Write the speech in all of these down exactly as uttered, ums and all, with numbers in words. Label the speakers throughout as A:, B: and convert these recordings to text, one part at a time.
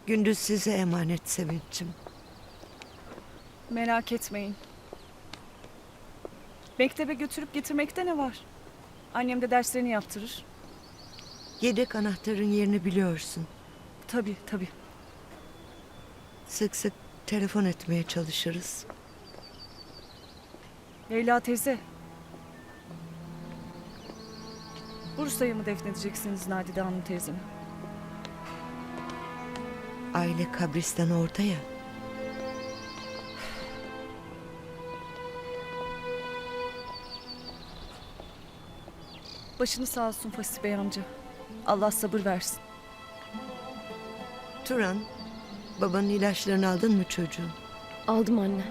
A: Gündüz size emanet Sevinç'im.
B: Merak etmeyin. Mektebe götürüp getirmekte ne var? Annem de derslerini yaptırır.
A: Yedek anahtarın yerini biliyorsun.
B: Tabii tabii.
A: Sık sık telefon etmeye çalışırız.
B: Leyla teyze. Bursa'yı mı defnedeceksiniz Nadide Hanım teyzemi?
A: Aile kabristan orada ya.
B: Başını sağ olsun Fasih Bey amca. Allah sabır versin.
A: Turan, babanın ilaçlarını aldın mı çocuğum?
C: Aldım anne.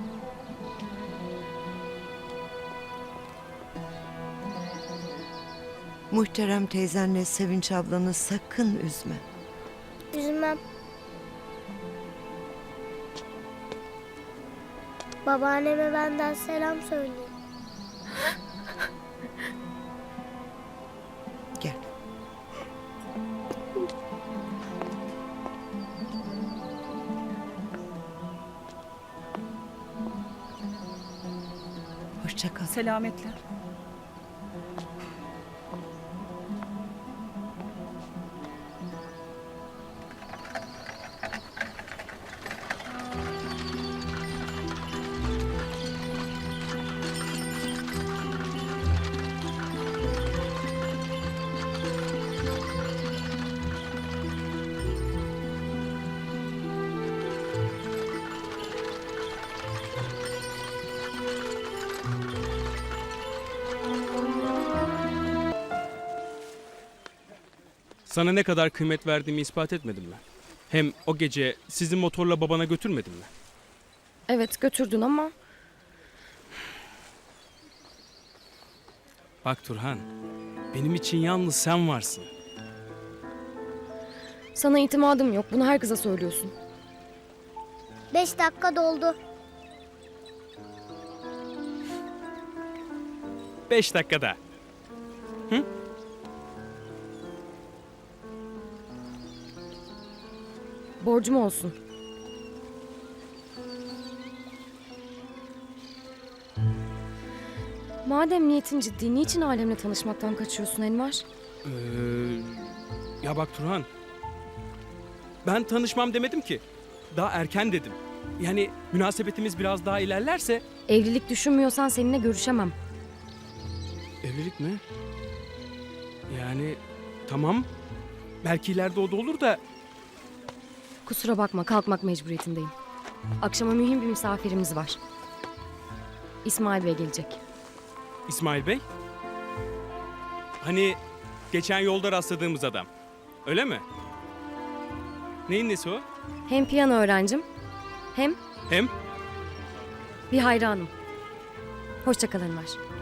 A: Muhterem teyzenle Sevinç ablanı sakın üzme.
D: Üzülmem. Babaanneme benden selam söyleyin.
A: Gel. Hoşça kal.
B: Selametle.
E: Sana ne kadar kıymet verdiğimi ispat etmedim mi? Hem o gece sizi motorla babana götürmedim mi?
C: Evet götürdün ama
E: Bak Turhan, benim için yalnız sen varsın.
C: sana itimadım yok. Bunu herkese söylüyorsun.
D: Beş dakika doldu.
E: Beş dakikada.
C: Borcum olsun. Madem niyetin ciddi, niçin alemle tanışmaktan kaçıyorsun Enver?
E: Ee, ya bak Turhan, ben tanışmam demedim ki. Daha erken dedim. Yani münasebetimiz biraz daha ilerlerse...
C: Evlilik düşünmüyorsan seninle görüşemem.
E: Evlilik mi? Yani tamam. Belki ileride o da olur da...
C: Kusura bakma, kalkmak mecburiyetindeyim. Akşama mühim bir misafirimiz var. İsmail Bey gelecek.
E: İsmail Bey? Hani geçen yolda rastladığımız adam. Öyle mi? Neyin nesi o?
C: Hem piyano öğrencim, hem
E: Hem
C: bir hayranım. Hoşça kal Enver.